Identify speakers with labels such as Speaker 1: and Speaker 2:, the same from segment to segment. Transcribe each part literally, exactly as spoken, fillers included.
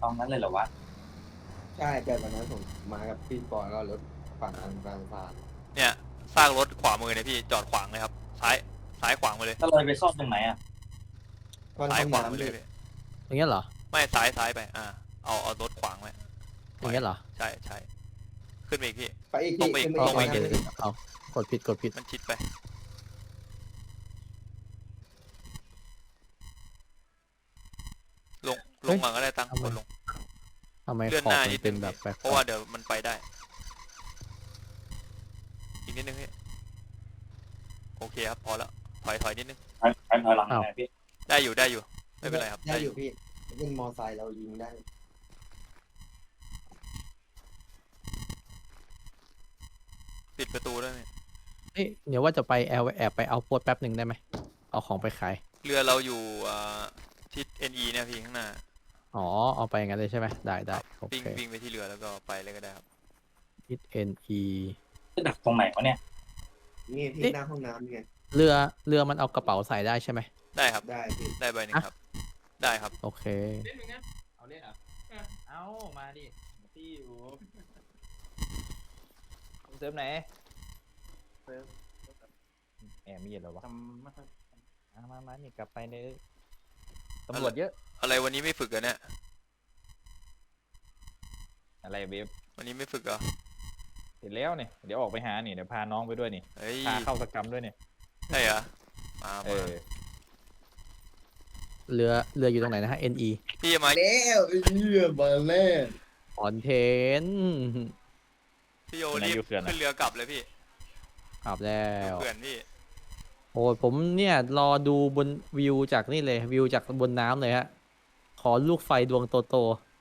Speaker 1: ตอนนั้นเลยเหรอวะ
Speaker 2: ใช่แต่วันนั้นผมมากับพี่ปอนก็รถฝั่งทางกลางสาน
Speaker 3: เนี่ยซากรถขวามือเนี่ยพี่จอดขวางเลยครับซ้ายซ้ายขวางมาเลย
Speaker 1: ก็เลยไปซ่อมตรงไหนอ่ะ
Speaker 2: วัน
Speaker 3: ซ้าย
Speaker 2: ห้อง
Speaker 3: ขวางมา
Speaker 2: น้ำ
Speaker 3: เล
Speaker 2: พี่
Speaker 3: ยพี่
Speaker 4: อย่างเงี้ยเหรอ
Speaker 3: ไม่ซ้ายซ้ายไปอ่าเอาเอารถขวางไว้
Speaker 4: อย่างเงี้ยเหรอ
Speaker 3: ใช่ใช่ขึ้นไปอีกพี่
Speaker 2: ไปอีก
Speaker 3: ตร
Speaker 2: พี่
Speaker 3: งไปอีก
Speaker 2: ขึ้น
Speaker 3: ตรงไป
Speaker 2: อีก
Speaker 3: อีก
Speaker 4: เอากดผิดกดผิด
Speaker 3: มันชิดไปลงลงมาก็ได้ตั้งกดลง
Speaker 4: ทำไม
Speaker 3: เลื่อน
Speaker 4: ขอ
Speaker 3: ห
Speaker 4: บ
Speaker 3: น้า
Speaker 4: มั
Speaker 3: นิด
Speaker 4: นเป็
Speaker 3: นึ
Speaker 4: น
Speaker 3: ง
Speaker 4: แบบแปลก
Speaker 3: เพราะว่าเดี๋ยวมันไปได้อีกนิดนึงพี่โอเคครับพอแล้วถอยถอยนิดนึง
Speaker 1: ถอยถอยถอยหลังหน่อยพี่
Speaker 3: ได้อยู่ได้อยู่ไม่เป็นไรครับ
Speaker 2: ได้อยู่พี่เป็นมอไซค์เรายิงได้
Speaker 3: ปิดประตูด้วยนี่
Speaker 4: เอ้ยเดี๋ยวว่าจะไปแอบแอบไปเอาโพสแป๊บหนึ่งได้ไหมเอาของไปขาย
Speaker 3: เรือเราอยู่อ่าทิศ เอ็น อี เนี่ยพี่ข้างหน้า
Speaker 4: อ๋อเอาไปอย่างนั้นเลยใช่ไหมได้ได้โอ
Speaker 3: วิ่ง
Speaker 4: เค
Speaker 3: วิ่งไปที่เรือแล้วก็ไปเลยก็ได้ครับ
Speaker 4: ทิศ เอ็น อี
Speaker 1: จะดักตรงไหนวะเนี่ย
Speaker 2: นี่พี่หน้าห้องน้ำไง
Speaker 4: เรือเรือมันเอากระเป๋าใส่ได้ใช่ไหม
Speaker 3: ได้ครับ
Speaker 2: ได้พี่
Speaker 3: ได้ใบหนึ่งครับ ได้ครับ
Speaker 4: โอเค
Speaker 5: เล่นมึงนะเอาเล่นเหรอเอามาดิที่อยู่เซิร์ฟไหนเซิร์ฟแอบมีเหรอวะ
Speaker 1: ทำไม่ค่อย
Speaker 5: มามามานี่กลับไปเลยตำรวจเยอะ
Speaker 3: อะไรวันนี้ไม่ฝึกเหรอเนี่ย
Speaker 5: อะไรเบฟ
Speaker 3: วันนี้ไม่ฝึกเหรอ
Speaker 5: เสร็จแล้วเนี่ยเดี๋ยวออกไปหานี่เดี๋ยวพาน้องไปด้วยนี่
Speaker 3: เฮ้ย
Speaker 5: พาเข้าสกรรมด้วยเนี่ย
Speaker 3: ใช่เหรอมา
Speaker 5: เอ
Speaker 3: มา
Speaker 5: อ
Speaker 4: เรือเรืออยู่ตรงไหนนะฮะ เอ็น อี
Speaker 3: พี่มา
Speaker 2: แล้วเรือมาแล้ว
Speaker 4: คอนเทนต์
Speaker 3: พี่โยรีบขึ้นเรือกลับเลยพี่
Speaker 4: ขับแล้ว
Speaker 3: เพื่อนพี่
Speaker 4: โอ้ยผมเนี่ยรอดูบนวิวจากนี่เลยวิวจากบนน้ำเลยฮะขอลูกไฟดวงโต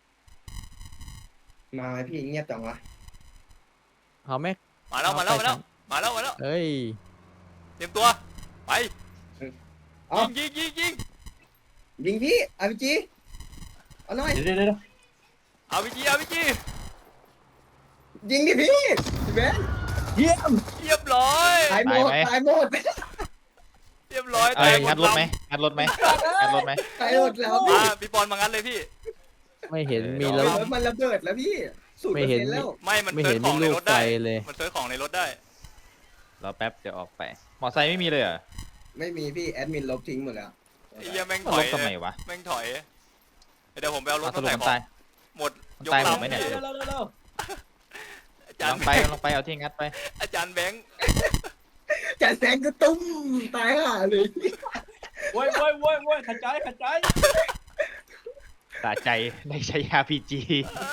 Speaker 2: มาไหมพี่เงียบจังวะ
Speaker 4: ๆเอาไหม
Speaker 3: มาแล้วมาแล้วมาแล้วมาแล้วมาแล้ว
Speaker 4: เอ้ย
Speaker 3: เตรียมตัวไป
Speaker 2: เอ้า
Speaker 3: ยิงยิงยิงยิง
Speaker 2: ยิงพี่อาร์พีจีเอาหน่อย
Speaker 1: เดี๋ยวเดี๋ยวเดี๋ยว
Speaker 3: เอาไปจีเอาไปจี
Speaker 2: ยิงดิพี่พี่เบน
Speaker 4: เยี่ยม
Speaker 3: เรียบร้อย
Speaker 2: ตายหมดตายหมด
Speaker 3: เรียบร้อย
Speaker 5: เอ้ย
Speaker 3: หม
Speaker 5: งั
Speaker 3: ด
Speaker 5: ดรถไหมงัดรถไหมงัดรถไหม
Speaker 2: ตายหมดแล้ว
Speaker 3: มา
Speaker 2: พี่
Speaker 3: พี่บอลมางั้นเลยพี่
Speaker 4: ไม่เห็น
Speaker 5: เออ
Speaker 4: มี
Speaker 2: แล้
Speaker 4: แล้ว ว
Speaker 2: มันระเบิดแล้วพี่สูตร
Speaker 4: ไม่
Speaker 2: เปอร์
Speaker 4: เห็น
Speaker 2: เซ็นต์แล้ว
Speaker 3: ไม่มัน
Speaker 4: ไม่
Speaker 3: เซิ
Speaker 4: เห็
Speaker 3: ร์
Speaker 4: น
Speaker 3: ชข
Speaker 4: มี
Speaker 3: องใน
Speaker 4: ลูก
Speaker 3: รถ
Speaker 4: ไฟ
Speaker 3: ได้
Speaker 4: เลย
Speaker 3: มันเซิร์ชของในรถได้
Speaker 5: รอแป๊บเดี๋ยวออกไป มอไซค์ไม่มีเลยเหรอ
Speaker 2: ไม่มีพี่แอดมินลบทิ้งหมดแล้ว
Speaker 3: ไอ้เหี้ยแม่งถ
Speaker 5: ร
Speaker 3: อย
Speaker 5: ถทำไมวะ
Speaker 3: แม่งถอยเดี๋ยวผมไปเอารถ
Speaker 5: อ่ะส
Speaker 3: มา
Speaker 5: รุป
Speaker 3: ใส่
Speaker 5: มัน
Speaker 3: ขอ
Speaker 5: ตาง ย
Speaker 3: หมดยก
Speaker 5: ตายหมด
Speaker 3: ลำ
Speaker 5: ไหมเนี่ย
Speaker 3: พี่
Speaker 5: เร็ว
Speaker 3: อาจาร
Speaker 5: ล
Speaker 3: ย์
Speaker 5: องไปลองไปเอาที่งัดไป
Speaker 3: อาจารย์แบงค์
Speaker 2: จะแซงก็ตุ้มตายห่าเลย
Speaker 1: โว้ยโว้ยโว้ยโว้ยขัดใจขัดใจ
Speaker 5: สะใจได้ใช้ อาร์ พี จี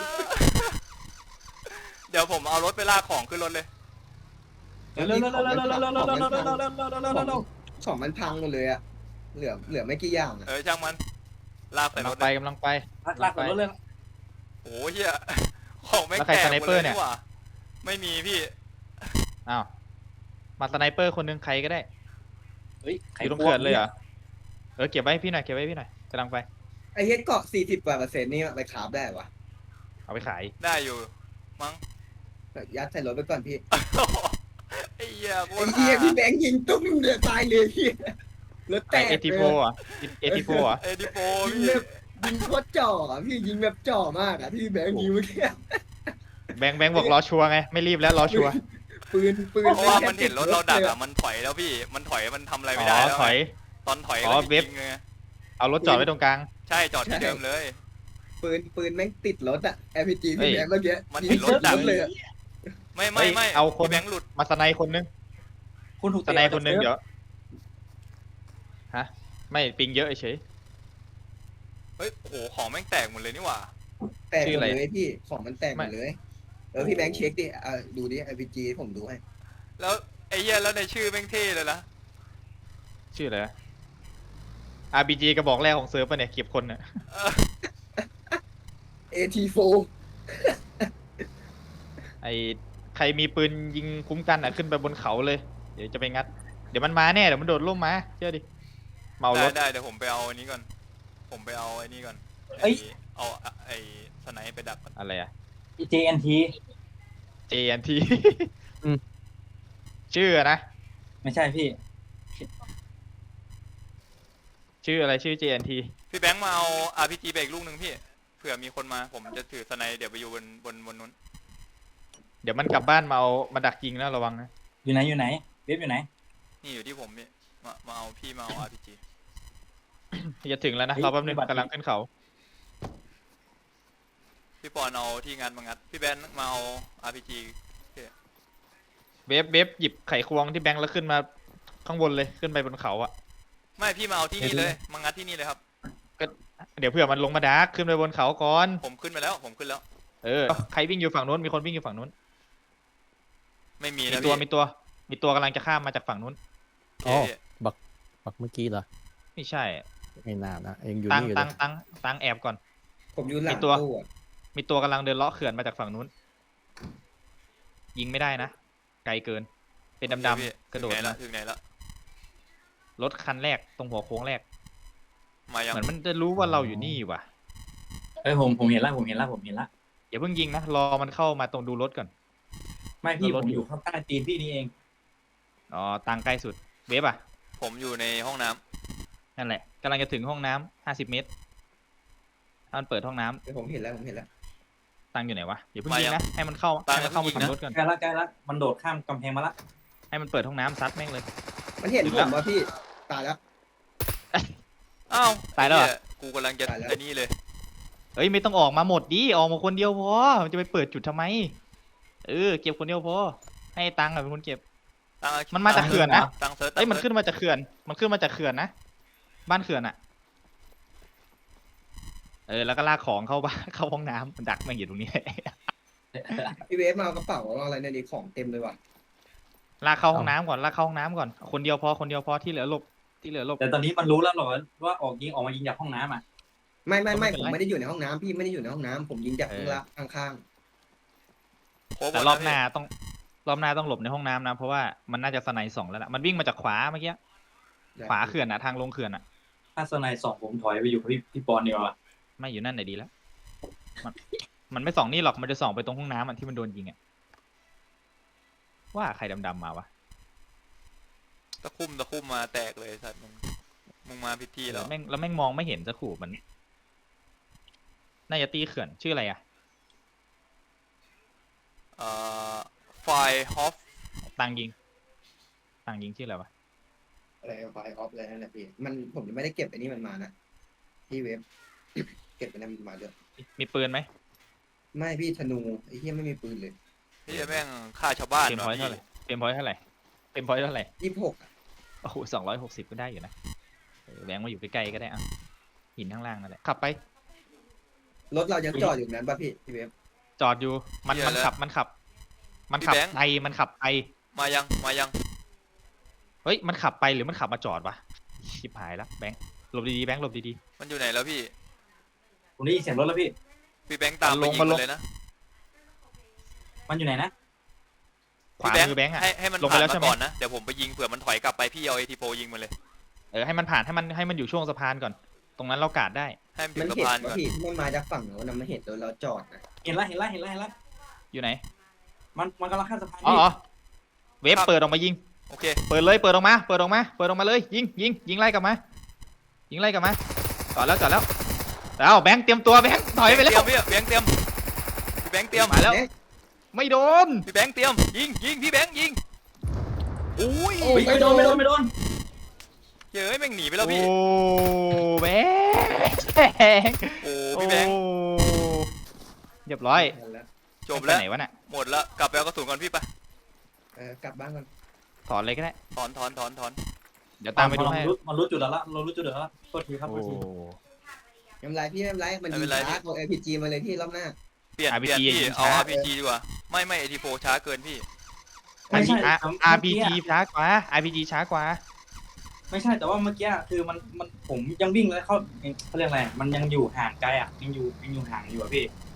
Speaker 3: เดี๋ยวผมเอารถไปลากของขึ้นรถเลย
Speaker 1: เร็วเร็วเร็วเร็วเร็วเร็วเร็วเร็วเร็วเร็วเร็วเร็วเร็วเร็วเร็วเร็ว
Speaker 2: ของมันพังหมดเลยอะเหลือเหลือไม่กี่อย่างอะ
Speaker 3: เออช่างมันลากใส่
Speaker 5: กำ
Speaker 3: ร
Speaker 5: ลั
Speaker 3: ถ
Speaker 5: งไป
Speaker 3: เลย
Speaker 5: กำลังไป
Speaker 1: ลากกับรถเลย
Speaker 3: โอ้โหเฮียของแม่ง
Speaker 5: แล้วใคร
Speaker 3: แตก
Speaker 5: สไน
Speaker 3: หมด
Speaker 5: เปอ
Speaker 3: เล
Speaker 5: ร์
Speaker 3: ย
Speaker 5: เนี่ย
Speaker 3: นี่หว่าไม่มีพี่
Speaker 5: อ้าวมาสไนเปอร์คนหนึงใครก็ได้
Speaker 1: เฮ้ย
Speaker 5: อยู่ตรงเขื่อนเลยเหรอเออเก็บไว้ให้พี่หน่อยเก็บไว้ให้พี่หน่อยกำลังไป
Speaker 2: ไอ้เฮ็ดเกาะสี่สิบกว่าเปอร์เซ็นต์นี่ไปขาบได้วะ
Speaker 5: เอาไปขาย
Speaker 3: ได้อยู่มั้ง
Speaker 2: ยัดใส่รถไปก่อนพี่
Speaker 3: ไอ้เหี้ยโค
Speaker 2: ไอ้
Speaker 3: ตร
Speaker 2: เหี้ย
Speaker 3: ห่า
Speaker 2: พี่แบงค์ยิงตุ้มเดือดตายเลยพี่รถแต
Speaker 5: ไอก เอทีโฟอ่ะเอทีโฟอ่ะ
Speaker 3: เอดิโป
Speaker 2: ยิง
Speaker 3: พี่
Speaker 2: แบบยิงโคตรจ่ออะพี่ยิงแบบจ่อมากอะพี่แบงค์ยิงเมื่อกี้
Speaker 5: แบงค์แบงค์บอกรอชัวร์ไงไม่รีบแล้วรอชัวร์
Speaker 2: ปืนปืน
Speaker 3: เพราะว่ามันเห็นรถเราดักอ่ะมันถอยแล้วพี่มันถอยมันทำอะไร
Speaker 5: อ๋
Speaker 3: ไม่ได้
Speaker 5: อ
Speaker 3: แล้ว
Speaker 5: ถอย
Speaker 3: ตอนถอย
Speaker 5: อ๋
Speaker 3: ก็
Speaker 5: อ
Speaker 3: จะ
Speaker 5: เว็บ
Speaker 3: ยิงเลย
Speaker 5: เอารถจอดไว้ตรงกลาง
Speaker 3: ใช่จอดที่เดิมเลย
Speaker 2: ปืนปืนแม่งติดรถอะ เอ พี จี
Speaker 5: เฮ้
Speaker 2: พี่
Speaker 5: ย
Speaker 2: แบงค์เมื่อกี้
Speaker 3: มัน
Speaker 2: ยิ
Speaker 3: เห็
Speaker 2: ง
Speaker 3: นรถดัก
Speaker 2: เลยอะ
Speaker 3: ไม่
Speaker 5: เฮ้
Speaker 3: ไม่
Speaker 5: ย
Speaker 3: ไม่
Speaker 5: เอาคน
Speaker 3: พี่แบงค์หลุด
Speaker 5: มาสไนคนนึง
Speaker 1: คุณถูก
Speaker 5: สไนคนนึงเดี๋ยวฮะไม่ปิงเยอะเฉย
Speaker 3: เฮ้ยโอ้โหของแม่งแตกหมดเลยนี่หว่า
Speaker 2: แตกห
Speaker 5: ชื่
Speaker 2: ม
Speaker 5: อ
Speaker 2: ด
Speaker 5: อะไร
Speaker 2: เลยพี่ของมันแตกหมดเลย เออพี่แบงค์เช็คดิอ่ะดูดิ เอ พี จี ผมดูให้
Speaker 3: แล้วไอ้เหี้ยแล้วในชื่อแม่งเท่เลยนะ
Speaker 5: ชื่ออะไรวะ อาร์ พี จี กระบอกแรกของเซิร์ฟป่ะเนี่ยเก็บคนเนี่ย
Speaker 2: เอ ที โฟ
Speaker 5: ไอใครมีปืนยิงคุ้มกันอ่ะขึ้นไปบนเขาเลย เดี๋ยวจะไปงัด เดี๋ยวมันมาแน่เดี๋ยวมันโดดร่มมาเชื่อดิ เมาร
Speaker 3: ได้
Speaker 5: ถ
Speaker 3: ได้เดี๋ยวผมไปเอาอันนี้ก่อน ผมไปเอาไอ้นี่ก่อน
Speaker 1: เอ้ย
Speaker 3: เอาไอ้สไนป์ไปดักก่อน
Speaker 5: อะไรอะ
Speaker 1: เจเอ็นที
Speaker 5: เจ เอ็น ที ชื่ออะนะ
Speaker 1: ไม่ใช่พี่
Speaker 5: ชื่ออะไรชื่อ เจ เอ็น ที
Speaker 3: พี่แบงค์มาเอา อาร์ พี จี ไปอีกลูกหนึ่งพี่เผื่อมีคนมาผมจะถือสไนเดี๋ยวไปอยู่บนบนบนนู้น
Speaker 5: เดี๋ยวมันกลับบ้านมาเอามาดักยิงนะระวังนะ
Speaker 1: อยู่ไหนอยู่ไหนเว็บอยู่ไหน
Speaker 3: นี่อยู่ที่ผมพี่มามาเอาพี่มาเอา อาร์ พี จี
Speaker 5: จะถึงแล้วนะเราแป๊บนึงกำลังขึ้นเขา
Speaker 3: พี่ปอนเอาที่งานมางัดพี่แบนมาเอา อาร์ พี จี
Speaker 5: เวฟเวฟหยิบไขควงที่แบงค์แล้วขึ้นมาข้างบนเลยขึ้นไปบนเขาอะ
Speaker 3: ไม่พี่มาเอาที่นี่เลยมางัดที่นี่เลยครับ
Speaker 5: เดี๋ยวเผื่อมันลงมาดักขึ้นไปบนเขาก่อน
Speaker 3: ผมขึ้นไปแล้วผมขึ้นแล้ว
Speaker 5: เออใครวิ่งอยู่ฝั่งนู้นมีคนวิ่งอยู่ฝั่งนู้น
Speaker 3: ไม่มี
Speaker 5: มี
Speaker 3: นะ
Speaker 5: ตัว
Speaker 3: พี่
Speaker 5: มีตัวมีตัวกำลังจะข้ามมาจากฝั่งนู้น
Speaker 3: โอ
Speaker 4: อ๋อ
Speaker 3: เค
Speaker 4: บักบักเมื่อกี้เหรอ
Speaker 5: ไม่ใช่
Speaker 4: ไม่นานนะเองอยู่
Speaker 5: ตั้ง
Speaker 4: นี่อยู่
Speaker 5: ตั้ง
Speaker 4: เลย
Speaker 5: ตั้งตั้งแอบก่อน
Speaker 2: ผมอยู่หลัง
Speaker 5: มีตัว
Speaker 2: ตู้อะ
Speaker 5: มีตัวกำลังเดินเลาะเขื่อนมาจากฝั่งนู้น ยิงไม่ได้นะไกลเกิน เป็นดำ
Speaker 3: พี่
Speaker 5: ๆกระโดด
Speaker 3: ถึงไหนละ
Speaker 5: มา
Speaker 3: ถึงไหนละ
Speaker 5: รถคันแรกตรงหัวโค้งแรก
Speaker 3: มายัง
Speaker 5: เหมือนมันจะรู้ว่าเราอยู่นี่ว่ะ
Speaker 1: เอ้ยผมผมเห็นละผมเห็นละผมเห็นละ
Speaker 5: อย่าเพิ่งยิงนะรอมันเข้ามาตรงดูรถก่อน
Speaker 1: ไม่พี่
Speaker 5: ร
Speaker 1: ผ
Speaker 5: ถ
Speaker 1: ม
Speaker 5: อยู่
Speaker 1: อยู่ข้างใต้ตีนพี่นี่เอง
Speaker 5: อ๋อตังใกล้สุดเวฟอ่ะ
Speaker 3: ผมอยู่ในห้องน้ำ
Speaker 5: นั่นแหละกำลังจะถึงห้องน้ำห้าสิบเมตรถ้ามันเปิดห้องน้ำ
Speaker 2: เดี๋ยวผมเห็นแล้วผมเห็นแล้ว
Speaker 5: ตังอยู่ไหนวะอย่าเพิ่งยิงนะให้มันเข้าให้มันเข้ามาถึงรถก่อน
Speaker 1: ใกล้ละใกล้ละมันโดดข้ามกำแพงมาละ
Speaker 5: ให้มันเปิดห้องน้ำซัดแม่งเลย
Speaker 2: มันเห็น
Speaker 5: ถึง
Speaker 2: ผ
Speaker 5: แล้ว
Speaker 2: มว่าพี่ตายแล้ว
Speaker 3: อ้าว
Speaker 5: ตายแล้วเหรอ
Speaker 3: เหี้กูกำลังจะ
Speaker 2: ตายแล้ว
Speaker 3: ไอ้นี่เลย
Speaker 5: เอ้ยไม่ต้องออกมาหมดดิออกมาคนเดียวพอมันจะไปเปิดจุดทำไมเออเก็บคนเดียวพอให้ตังค์อะเป็นคนเก็บ
Speaker 3: ตั้ง
Speaker 5: มันมาจากเขื่อนนะ
Speaker 3: ตั้งเซิร์ช
Speaker 5: เอ้ยมัน
Speaker 3: ตั้ง
Speaker 5: ขึ้นมาจากเขื่อน มันขึ้นมาจากเขื่อนนะ บ้านเขื่อนอะเออ แล้วก็ลากของเข้าบ้าน เข้าห้องน้ำมันดักแม่งอยู่ตรงนี้
Speaker 2: พี่เวฟมาเอากระเป๋าเอาอะไรเนี่ยดิของเต็มเลยว่ะ
Speaker 5: ลากเข้าห้องน้ำก่อน ลากเข้าห้องน้ำก่อน คนเดียวพอ คนเดียวพอ ที่เหลือหลบ ที่เหลือหลบ
Speaker 1: แต่ตอนนี้มันรู้แล้วเหรอว่าออกยิงออกมายิงจากห้องน้ำอ่ะ
Speaker 2: ไม่ไม่ไม่
Speaker 5: ไม่
Speaker 2: ผ
Speaker 5: เป็น
Speaker 2: ม
Speaker 5: ไร
Speaker 2: ไม่ได้อยู่ในห้องน้ำพี่ไม่ได้อยู่ในห้องน้ำผมยิงจาก
Speaker 5: เอ
Speaker 2: ข้าง
Speaker 5: อ
Speaker 2: ล่างข้าง
Speaker 3: โค้งหม
Speaker 5: แต่
Speaker 3: ด
Speaker 5: ร
Speaker 3: แล้
Speaker 5: อ
Speaker 3: ว
Speaker 5: บ
Speaker 3: พี่
Speaker 5: หน้าต้อง รอบหน้าต้องหลบในห้องน้ำนะ เพราะว่ามันน่าจะสไนด์สองแล้วล่ะ มันวิ่งมาจากขวาเมื่อกี้
Speaker 2: ๆ
Speaker 5: ขวาเขื่อนอะทางลงเขื่อนอะ
Speaker 1: ถ้าสไนด์สองผมถอยไปอยู่กับพี่พี่ปอนดีกว่า
Speaker 5: ไม่อยู่นั่นไหนดีแล้ว มัน มันไม่ส่องนี่หรอก มันจะส่องไปตรงห้องน้ำอะที่มันโดนยิงอะว่าใครดำๆมาวะ
Speaker 3: ตะคุ่มตะคุ่มมาแตกเลยสัตว์มึงมึงมาพิธีแล้ว
Speaker 5: แม่งแล้วแม่งมองไม่เห็นจะขู่มัน น่าจะตีเขื่อนชื่ออะไรอะ
Speaker 3: เอ่อไฟฮอฟ
Speaker 5: ตังยิง ตังยิงชื่ออะไรวะ
Speaker 2: อะไรไฟออฟอะไรนั่นแหละพี่มันผมยังไม่ได้เก็บไอ้นี่มันมานะพี่เวฟ เก็บไปนั่นมันมาด้วย
Speaker 5: มีปืนไหม
Speaker 2: ไม่พี่ธนูไอ้เหี้ยไม่มีปืนเลย
Speaker 3: พี่แม่งฆ่าชาวบ้าน
Speaker 5: เต็มพ
Speaker 3: ว่ะ
Speaker 5: อยต์
Speaker 3: พี่
Speaker 5: เท่าไหร่เต็มพอยต์เท่าไหร่เต็มพอยต์เท่าไหร่
Speaker 2: ยี่สิบหกอะ
Speaker 5: โอ้โหสองร้อยหกสิบก็ได้อยู่นะเออแบงค์มาอยู่ใกล้ๆก็ได้อ่ะหินข้างล่างนั่นแหละขับไป
Speaker 2: รถเรายังจอดอยู่นั้นป่ะพี่พี่เวฟ
Speaker 5: จอดอยู่ มันมันขับ มันขับ มันขับไปมันขับไป
Speaker 3: มายังมายัง
Speaker 5: เฮ้ย มันขับไปหรือมันขับมาจอดวะ ชิบหายแล้วแบงค์หลบดีๆ แบงค์หลบดี
Speaker 3: มันอยู่ไหนแล้วพี่
Speaker 1: ผมได้ยินเสียงรถแล้วพี่
Speaker 3: พี่แบงค์ตาม
Speaker 5: มัน
Speaker 3: ไป
Speaker 5: ลง
Speaker 3: ยิง
Speaker 5: มั
Speaker 3: มัน น
Speaker 5: ลง
Speaker 3: เลยนะ
Speaker 1: มันอยู่ไหนนะ
Speaker 5: ๆ ขวา
Speaker 3: พี่
Speaker 5: มือแบงค์อ่ะ
Speaker 3: ให้ให้มัน
Speaker 5: ลงไป
Speaker 3: ผ่าน
Speaker 5: แล้วใช่
Speaker 3: มา
Speaker 5: ไหม
Speaker 3: ก่อนนะเดี๋ยวผมไปยิงเผื่อมันถอยกลับไปพี่เอาเอทีโฟยิงมันเลย
Speaker 5: เออ ให้มันผ่าน ให้มัน ให้มันอยู่ช่วงสะพานก่อน ตรงนั้นเรากาดได้
Speaker 3: ให้มันถึ
Speaker 2: มัน
Speaker 3: งสะ
Speaker 2: เห็น
Speaker 3: พาน
Speaker 2: ว่า
Speaker 3: ก่อน
Speaker 2: พี่ที่มันมาจากฝั่งโน้นนะมันเห็นรถเราจอดนะ
Speaker 1: เห็นละเห็นละเห็นละเห็นละ
Speaker 5: อยู่ไหน
Speaker 1: มันมันกำลังข้ามสะพาน
Speaker 5: อ๋อ
Speaker 1: พี่
Speaker 5: อ๋อเวฟเปิดออกมายิง
Speaker 3: โอเค
Speaker 5: เปิดเลย เปิดออกมา เปิดออกมา เปิดออกมาเลย ยิง ยิง ยิงไล่กลับมา ยิงไล่กลับมา จอดแล้ว จอดแล้ว แล้วแบงค์เตรียมตัวแบงค์ถอยไป
Speaker 3: เต
Speaker 5: แล้
Speaker 3: รียว มพี่แบงค์เตรียมพี่แบงค์เตรียม
Speaker 5: มาแล้ว
Speaker 2: เอ๊ะ
Speaker 5: ไม่โดน
Speaker 3: พี่แบงค์เตรียมยิงยิงพี่แบงค์ยิงอุ้ย
Speaker 2: โอ้
Speaker 1: เฮ้ยไม่โดนไม่โดนไม่โดน
Speaker 3: เฮ้ยแม่งหนีไปแล้วพี่
Speaker 5: โอ้แบงค์
Speaker 3: โอ้พี่แบงค์
Speaker 5: โอ้เรียบร้อย
Speaker 2: แล้ว
Speaker 3: จบแล้ว
Speaker 5: ไปไหนวะน่ะ
Speaker 3: หมดแล้วกลับไปเอากระสุนก่อนพี่ไป
Speaker 2: เออกลับบ้านก่อน
Speaker 5: ถอนเลยก็ได้
Speaker 3: ถอนถอนถอนถอน
Speaker 5: เดี๋ยวตามไปดู
Speaker 1: มัน
Speaker 5: ให้
Speaker 1: รู้มันรู้จุดแล้วละเรารู้จุดแล้วละโทษทีครับโท
Speaker 5: โอ้
Speaker 1: ษที
Speaker 2: ไม่เป็นไรพี่ไม่เป็นไรมันยิงช้าเอา เอ พี จี มาเลยพี่รอบหน้า
Speaker 3: เปลี่ยน
Speaker 5: อาร์
Speaker 3: เป
Speaker 5: พี
Speaker 3: ลี่ยน
Speaker 5: จี
Speaker 3: พี่
Speaker 5: ยิง
Speaker 3: เอา
Speaker 5: ช้า
Speaker 3: อาร์พีจีดีกว่าไม่ไม่เอทีโฟช้าเกินพี่
Speaker 1: ไม่ใช่
Speaker 5: อาร์พีจีช้ากว่า อาร์พีจีช้ากว่า
Speaker 1: ไม่ใช่แต่ว่าเมื่อกี้คือมันมันผมยังวิ่งแล้วเขาเขาเรียกอะไรมันยังอยู่ห่างไกลอ่ะยังอยู่ยังอยู่ห่างอยู่อ่ะพี่